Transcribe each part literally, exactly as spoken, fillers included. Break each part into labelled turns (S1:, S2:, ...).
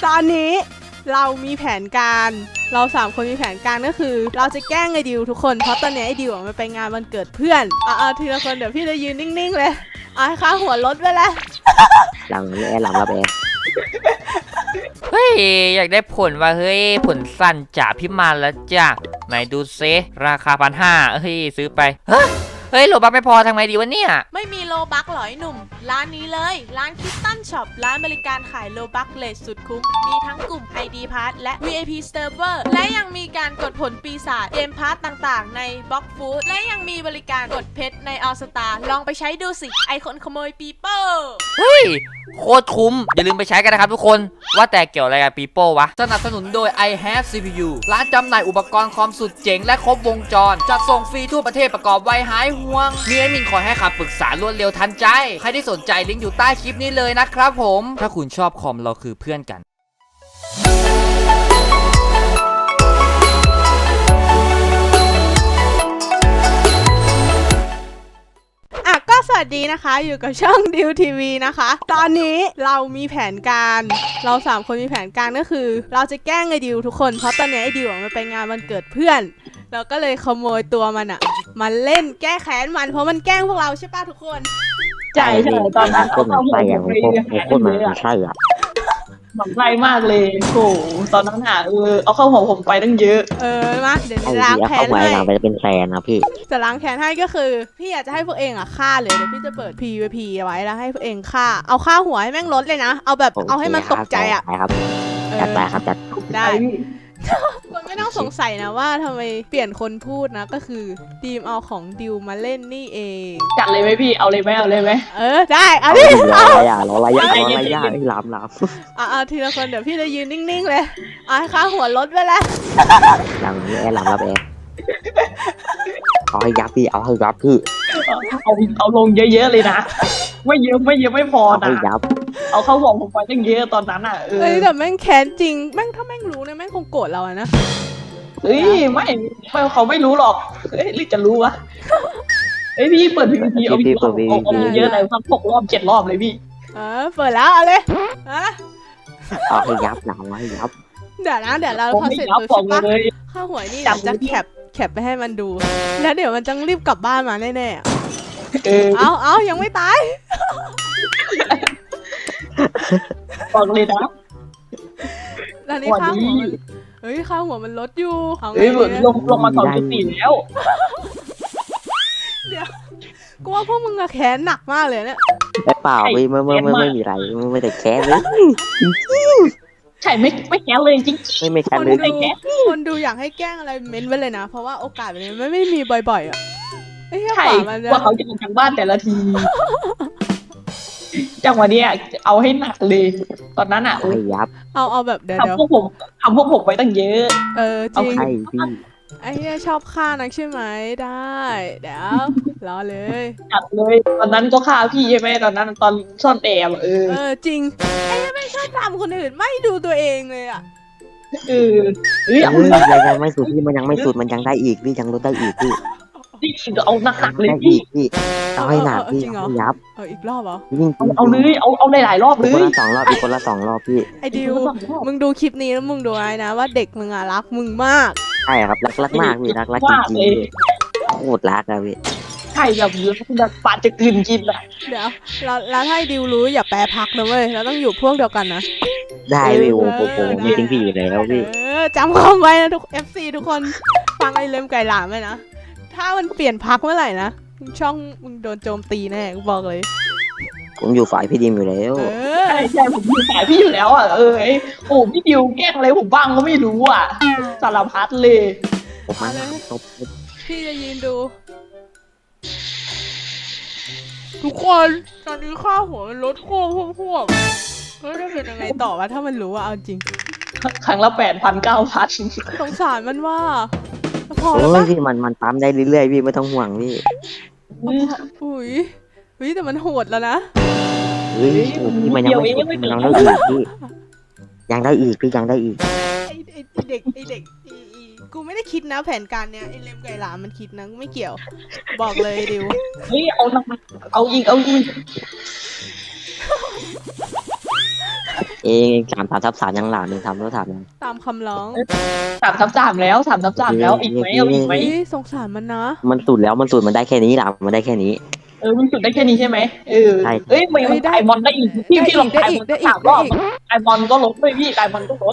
S1: ตอนนี้เรามีแผนการเราสามคนมีแผนการก็คือเราจะแกล้งไอ้ดิวทุกคนเพราะตอนนี้ไอ้ดิวมันไปงานวันเกิดเพื่อนอ่ะทีละคนเดี๋ยวพี่จะยืนนิ่งๆเลยเอาให้ค่าหัวรถไปเลย
S2: หลังแอร์หลังรับแอร์
S3: เฮ้ยอยากได้ผลว่าเฮ้ยผลสั้นจ่าพิมานแล้วจ้ะไหนดูเซราคาพันห้าเฮ้ยซื้อไปเฮ้ยเฮ้ยโลบักไม่พอทำไงดีวะเนี่ย
S1: ไม่มีโลบักหรอไอ้หนุ่มร้านนี้เลยร้านคิตตันช็อปร้านบริการขายโลบักเลทสุดคุ้มมีทั้งกลุ่ม ไอ ดี Pass และ วี ไอ พี Server และยังมีการกดผลปีศาจเกมพาร์ทต่างๆในบล็อกฟู้ดและยังมีบริการกดเพชรในออสตาลองไปใช้ดูสิไอคนขโมยปีโป้
S3: เฮ้ยโคตรคุ้มอย่าลืมไปใช้กันนะครับทุกคนว่าแต่เกี่ยวอะไรกับปีโป้วะสนับสนุนโดย I have ซี พี ยู ร้านจำหน่ายอุปกรณ์คอมสุดเจ๋งและครบวงจรจัดส่งฟรีทั่วประเทศประกอบไวหายห่วงมีแอดมินคอยให้คำปรึกษารวดเร็วทันใจใครที่สนใจลิงก์อยู่ใต้คลิปนี้เลยนะครับผมถ้าคุณชอบคอมเราคือเพื่อนกัน
S1: สวัสดีนะคะอยู่กับช่องดิวทีวีนะคะตอนนี้เรามีแผนการเราสามคนมีแผนการก็คือเราจะแกล้งไอ้ดิวทุกคนเพราะตอนนี้ไอ้ดิวมันไปงานวันเกิดเพื่อนเราก็เลยขโมยตัวมันอะมาเล่นแก้แค้นมันเพราะมันแกล้งพวกเราใช่ป่ะทุกคน
S4: ใช่ใช่ตอนนั้น
S2: ก็เหมือนไส้อะผมโคตรเหมือนไส้อะ
S4: หมันไส้มากเลยโอ้ตอนนั้นอ่ะเออเอาเข้าหัวผมไปตั้งเยอะ
S1: เออมาเดี๋ยวล้างแค้นให้
S2: เราไปเป็นแฟนนะพี่
S1: จะล้างแค้นให้ก็คือพี่อยากจะให้พวกเองอ่ะฆ่าเลยเดี๋ยวพี่จะเปิด พี วี พี ไว้แล้วให้พวกเองฆ่าเอาฆ่าหัวให้แม่งลดเลยนะเอาแบบเอาให้มันตกใจอ่ะ
S2: ครับจัดไปครับจัด
S1: ได้คนไม่ต้องสงสัยนะว่าทำไมเปลี่ยนคนพูดนะก็คือดีมเอาของดิวมาเล่นนี่เอง
S4: จัดเลยไหมพี่เอาเลยไหมเอาเลยไหม
S1: เออได้เอาดิ
S2: เอาอะไรอ่ะรออะไรอ่ะรออะไรอ่ะไอ้ลามลาม
S1: อ่ะทีละคนเดี๋ยวพี่จะยืนนิ่งๆเลยเอาให้ค่าหัวลดไปเลย
S2: หลังแอร์หลังรับแอร์เอาให้ยับพี่เอาให้ยับพี่
S4: เอาเอาลงเยอะๆเลยนะไม่เยอะไม่เยอะไม่พอนะเอาเข้าหัวผมไปตั้งเยอะตอนนั้นอ่ะเออ
S1: แต่แม่งแค้นจริงแม่งถ้าแม่งรู้เนี่ยแม่งคงโกรธเราอะนะ
S4: เฮ้ยไม่ไม่เขาไม่รู้หรอกเฮ้ยหรือจะรู้วะเฮ้ยพี่เปิดพีพีเอาพี่เอาเอาเยอะเลยสักหกรอบเจ็ดรอบเลยพี่
S1: เออเปิดแล้วเอาเลยฮะ
S2: เอาให้ยับหลังไว้ยับ
S1: เดี๋ยวนะเดี๋ยวเราพอเสร็จปุ๊บใช่ปะข้าหวยนี่จะแคปแคปไปให้มันดูแล้วเดี๋ยวมันจะรีบกลับบ้านมาแน่ๆเอาเอายังไม่ตาย
S4: บอกเลยนะ
S1: แล้วนี่ข้าหัวมันเฮ้ยข้าหัวมันลดอยู่
S4: เฮ้ยลงลงมาสองจุดสี่แล้ว
S1: เดี๋ยวกูว่าพวกมึงอะแค้นหนักมากเลยเนี่ย
S2: เปล่าไม่ไม่ไม่ไม่มีอะไรไม่แต่แค้นเลย
S4: ใช่ไม่ไม่แค้นเลยจริง
S2: ไม่ไม่แค้นเลย
S1: คนดูอยากให้แกล้งอะไรเม้นไว้เลยนะเพราะว่าโอกาสแบบนี้ไม่ไม่มีบ่อยๆอ่ะ
S4: ใช่ว่าเขาจะออกจากบ้านแต่ละทีจังหวะนี้เอาให้หนักเลยตอนนั้นอ่ะ
S2: ยับ
S1: เอาเอาแบบเดี๋ยว
S4: ทำพวกผมทำพวกผมไปตั้งเยอะ
S1: เออจริง
S2: ไอ้
S1: เหี้ยชอบฆ่านักใช่ไหมได้เดี๋ยวรอเลย
S4: จัดเลยตอนนั้นก็ฆ่าพี่ใช่ไหมตอนนั้นตอนซ่อนแอบเออ
S1: เออจริงไอ้ไม่ชอบทำคนอื่นไม่ดูตัวเองเลยอ่ะ
S4: เออเฮ้ย
S2: ยังไม่สุดพี่มันยังไม่สุดมันยังได้อีกพี่ยังลดได้อีกพี่
S4: พี่เอาหนักๆเลย
S2: พี่พี่เอาให้หนักพี่ยับ
S1: เอออีกรอบเหรอ
S4: เอาเลยเอาเอาหลายๆรอบเลย
S2: คนละสองรอบอีกคนละสองรอบพี่
S1: ไอ้ดิวมึงดูคลิปนี้แล้วมึงดูไว้นะว่าเด็กมึงอ่ะรักมึงมาก
S2: ใช่ครับรักรักมากพี่รักรักจริงๆโคตรรักอะพี่
S4: ใช่แบบแบบปาดจะกินกินอะ
S1: เดี๋ยวแล้วแล้วถ้าดิวรู้อย่าแปรพักนะเว้ยเราต้องอยู่พวกเดียวกันนะ
S2: ได้พี่โอ้โหไม่ทิ้งพี่อยู่แล้วพี่
S1: เออจำคำไว้นะทุก เอฟ ซี ทุกคนฟังไอ้เล็มไก่หลามไว้นะถ้ามันเปลี่ยนพักเมื่อไหร่นะช่องมึงโดนโจมตีแน่กูบอกเลย
S2: ผมอยู่ฝ่ายพี่ดิมอยู่แล้ว
S4: ใช่ใช่ผมอยู่ฝ่ายพี่อยู่แล้วอ่ะเออโอ้พี่ดิวแกล้งอะไรผมบ้างก็ไม่รู้อ่ะสารพัดเลย
S2: ผมมาตบ
S1: พี่จะยืนดูทุกคนตอนนี้ค่าหัวมันลดโค้งพวกๆแล้วจะเป็นยังไงต่อวะถ้ามันรู้ว่าเอาจริง
S4: ครั้งละแปดพันเก้าพัน
S1: สงสารมันว่า
S2: พอแล้วพี่มันมันปั๊มได้เรื่อยๆพี่ไม่ต้องห่วงพี่
S1: อุ้ยอุ้ยแต่มันโหดแล้วนะ
S2: เฮ้ยพี่มันยังไม่สุดมันยังได้อีกพี่ยังได้อีกพี่ยังได้อีก
S1: ไอไอเด็กไอเด็กกูไม่ได้คิดนะแผนการเนี้ยไอเลมไก่หลามมันคิดนะกูไม่เกี่ยวบอกเลยดิว
S4: เฮ้ยเอาเอาอีกเอาอีก
S2: เองสามสามทับสามยังหลานหนึ่งทำแล้วถามยัง
S1: ตามคำร้อง
S4: สามทับสามแล้วสามทับสามแล้วอีกไหมเอาอีกไหม
S1: เฮ้ยสงสารมันนะ
S2: มันสุดแล้วมันสุดมันได้แค่นี้หลานมันได้แค่นี้
S4: เออมันสุดได้แค่นี้ใช่ไหมเออ
S2: ใช่
S4: เอ้ยไม่มันไอมอนได้อีกพี่พี่ลองไอมอนสามรอบไอมอนก็ลดด้วยพี่ไอมอนก็ลด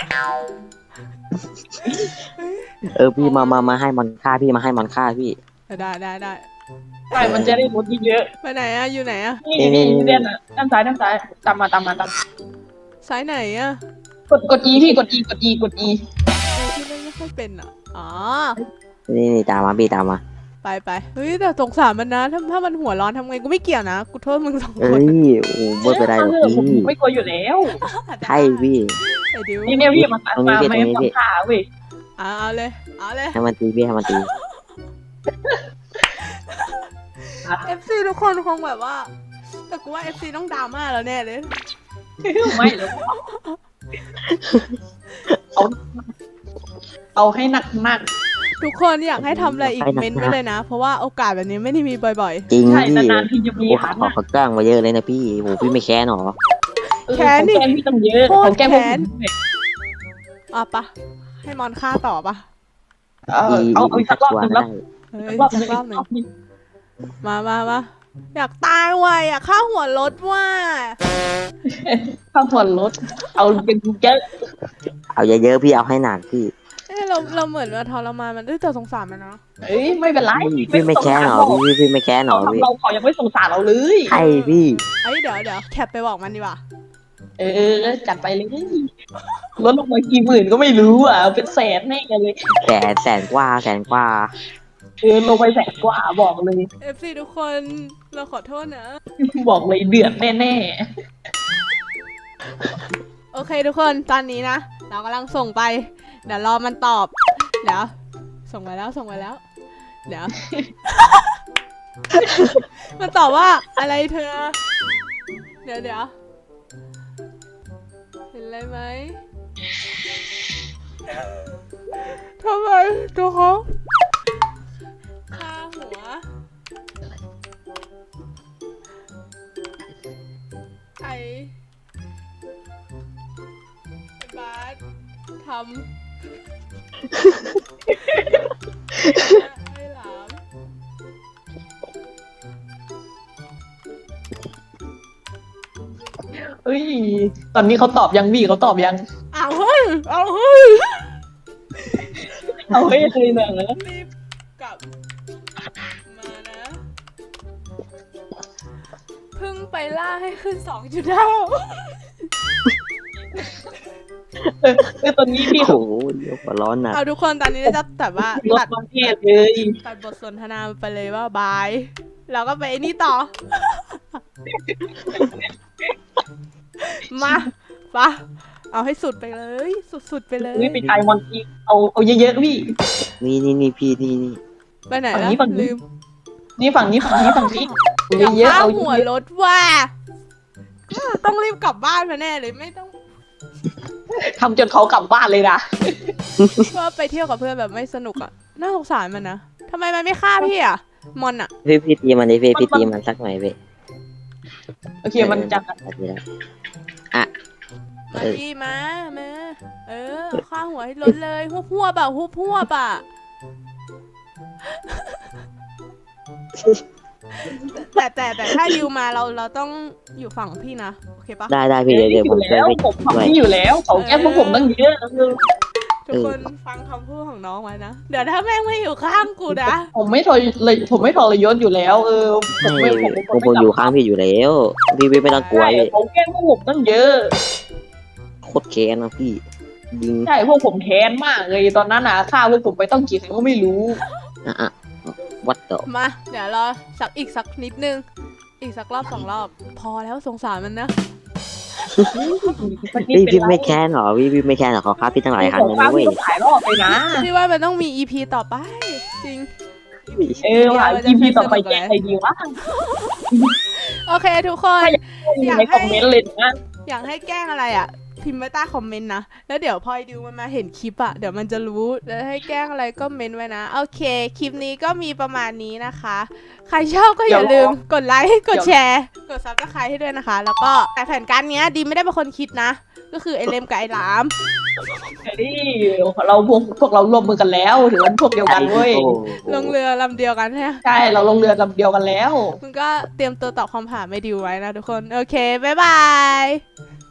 S2: เออพี่มามามาให้มันฆ่าพี่มาให้มันฆ่าพี่
S1: ได้ได้ได้
S4: ใช่มันจะได้ลดเยอะ
S1: ไปไหนอะอยู่ไหนอะ
S4: นี่นี่เด่นอ่ะด้านซ้ายด้านซ้ายตามมาตามมาตาม
S1: ซ้ายไหนอะ
S4: กดกด E พี่กด E กด E กด E
S1: เออที่เล่นไม่ค่อยเป็นอะอ๋อ
S2: นี่นี่ตามมาพี่ตามมา
S1: ไปไปเฮ้ยแต่สงสารมันนะถ้าถ้ามันหัวร้อนทำไงกูไม่เกี่ยวนะกูโทษมึงสอง
S2: เอ้
S1: คน
S2: ยโอ้ไม่เป็นไรหรอกพี่
S4: ผมไม่กลัวอยู่แล้ว
S2: ใช่พี่
S1: ไอ้ดิว
S4: นี่เนี่ยพี่มา
S2: ตรงนี้
S4: มา
S2: พี่
S4: ไม่
S2: ตรงนี้พี่
S4: ทำขาเว้ย
S1: เอาเอาเลยเอาเลย
S2: ให้มันตีพี่ให้มันตี
S1: เอฟซีทุกคนคงแบบว่า แต่กูว่าเอฟซีต้องดราม่าแล้วแน่เลย
S4: ไม่เลยเอาเอาให้หนักมาก
S1: ทุกคนอยากให้ทำอะไรอีกเม้นต์ไว้เลยนะ เพราะว่าโอกาสแบบนี้ไม่ได้มีบ่อย
S2: จริง
S4: ใช่
S2: พี่
S4: นานๆทีจะมี
S2: โอ้
S4: ครั้ง
S2: ขอเขาจ้างมาเยอะเลยนะพี่โอ้พี่ไม่แค้นหรอ
S4: แค้นนี่พี่ตั้งเยอะเขาแก้พวก
S1: ๆอ่ะปะให้มอนฆ่าต่อปะ
S4: เอาเอาอีกสักรอบหนึ่งแล้ว
S1: เฮ้ย
S4: รอบห
S1: สั
S4: นึ่
S1: ก
S4: ง
S1: รอบหนึ่งมามามาอยากตายว่ะอยากฆ่าหัวรถว่ะ
S4: ข้าวหัวรถเอาเป็นเยอะ
S2: เอาเยอะๆพี่เอาให้หนักพี่
S1: เอ้ยเราเราเหมือนว่าทรมานมันเอ้ยแต่สงสารมันนะ
S4: เอ้ยไม่เป็นไร
S2: พี่ไม่แค้นหรอพี่พี่ไม่แค้นหร
S4: เรา
S2: อพี่
S4: เราเขายังไม่สงสารเราเลย
S2: ใช่พี่
S1: เอ้ยเดี๋ยวเดี๋ยวแคปไปบอกมันดีกว่า
S4: เออจัดไปเลยลดลงมากี่หมื่นก็ไม่รู้อ่ะเป็นแสนแน่เลย
S2: แสนแสนกว่าแสนกว่า
S4: เออลงไปแสนกว่าบอกเลย
S1: เอฟซีทุกคนเราขอโทษนะ
S4: บอกเลยเดือดแน่
S1: โอเคทุกคนตอนนี้นะ เรากำลังส่งไป เดี๋ยวรอมันตอบ เดี๋ยว ส่งไปแล้วส่งไปแล้ว เดี๋ยว มันตอบว่าอะไรเธอ เดี๋ยวเดี๋ยวเห็นอะไรไหมทำไมตัวเขาค่าหัวไอ บาสทำให้หลาม
S4: ๆเอ้ยตอนนี้เขาตอบยังพี่เขาตอบยัง
S1: เอาเฮ้ยเอาเฮ้ย
S4: เอาเฮ้ยเลยเนอะ
S1: รีบกลับมานะ เพิ่งไปล่าให้ขึ้นสองจุดห้า
S4: เออเออตอนนี้พี่
S2: โอ้โหเดี๋ยวหัวร้อนหนัก
S1: เอาทุกคนตอนนี้เราจะแบบว่า
S4: ลด
S1: ตัด
S4: ประเทศเลย
S1: ตัดบทสนทนาไปเลยว่าบาย เราก็ไปไอ้นี่ต่อ มาปะเอาให้สุดไปเลย สุดๆไปเลย
S4: เฮ้ยไปไอมอนอีกเอาเอาเยอะๆพี่
S2: นี่นี่นี่พี่นี่นี่
S1: ไปไหน
S4: ฝั่ง
S1: แล้ว
S4: นี้ฝั่งนี้
S1: ลืม
S4: นี่ฝั่งนี้ฝั่งนี้ฝั่งนี้
S1: อยาก
S4: เยอะๆ
S1: ข้า
S4: เอา
S1: หัว
S4: เยอะ
S1: รถว่าต้องรีบกลับบ้านมาแน่เลยไม่ต้อง
S4: ๆทำจนเขากลับบ้านเลยนะ
S1: ว่าไปเที่ยวกับเพื่อนแบบไม่สนุกอ่ะน่าสงสารมันนะทำไมมันไม่ฆ่าพี่อ่ะมอนอ่ะ
S2: พี่พี่ตีมันดิพี่พี่ตีมันสักหน่อยพี่
S4: โอเคมันจะ
S2: ดีแล้วอ่ะ
S1: มา
S2: เออ
S1: ดีมามาเออฆ่าหัวให้รถเลยหัวพัวบ่ะหัวพัวบ่ะแต่แต่แต่ถ้าดิวมาเราเราต้องอยู่ฝั่งพี่นะโอเคปะ
S2: ได้ได้พี่เดี๋ยวเดี๋ยว
S4: อ
S2: ผม
S4: ยู่
S2: ช่วย
S4: แล้ว
S2: พี่
S4: ผม
S2: ด้วย
S4: ทำที่อยู่แล้วเขาแก้พวกผมตั้งเยอะ
S1: ทุกคนฟังคำพูดของน้องไว้นะเดี๋ยวถ้าแม่งไม่อยู่ข้างกูนะ
S4: ผมไม่ทรเลยผมไม่ทรยศอยู่แล้ว เออผมไม่ผมเป็นค
S2: ผม
S4: น
S2: ผมอยู่ข้างพี่อยู่แล้วพี่พี่ไม่ต้องกลัว
S4: ใช่
S2: พี่
S4: เขาแก้พวกผมตั้งเยอะ
S2: โคตรแค้นนะพี่ยิง
S4: ใช่พวกผมแค้นมากเลยตอนนั้นนะฆ่าพวกผมไปต้องกี่ครั้งก็ไม่รู้
S2: อ่ะอ่ะวัดต่อ
S1: มาเดี๋ยวรอสักอีกสักนิดนึงอีกสักรอบสองรอบ พอแล้วสงสารมันนะ
S2: พี่พี่ไม่แค้นหรอพี่พี่ไม่แค้นหรอเขาฆ่าพี่ตั้งหลายครั้ง
S4: ผ
S2: เล
S4: ม
S2: ย
S4: ฆ่า
S2: นะเว้
S4: พี่
S2: ย
S4: ต้องหลายรอบเลยนะ
S1: พี่ว่ามันต้องมี อี พี ต่อไป จริง
S4: เออว่ะ อีพีต่อไปแก้ใครดีวะ
S1: โอเคทุกคน
S4: อยู่ในคอมเมนต์เลยนะ
S1: อยากให้แกล้งอะไรอ่ะ พพิมพ์ไว้ใต้คอมเมนต์นะแล้วเดี๋ยวพอไอดิวมันมาเห็นคลิปอะเดี๋ยวมันจะรู้แล้วให้แกล้งอะไรก็เมนไว้นะโอเคคลิปนี้ก็มีประมาณนี้นะคะใครชอบก็อย่าลืมกดไลค์กดแชร์กดซับสไครต์ให้ด้วยนะคะ แล้วก็แต่แผนการเนี้ยดีไม่ได้เป็นคนคิดนะก็คือไอเลมกับไอหลาม
S4: นี่เราพวกพวกเราร่วมมือกันแล้วถือว่าพวกเดียวกันเว้ย
S1: ลงเรือลำเดียวกันใช่ไหม
S4: ใช่เราลงเรือลำเดียวกันแล้ว
S1: มึงก็เตรียมตัวตอบคำถามไม่ดิวไว้นะทุกคน โอเค บ๊ายบาย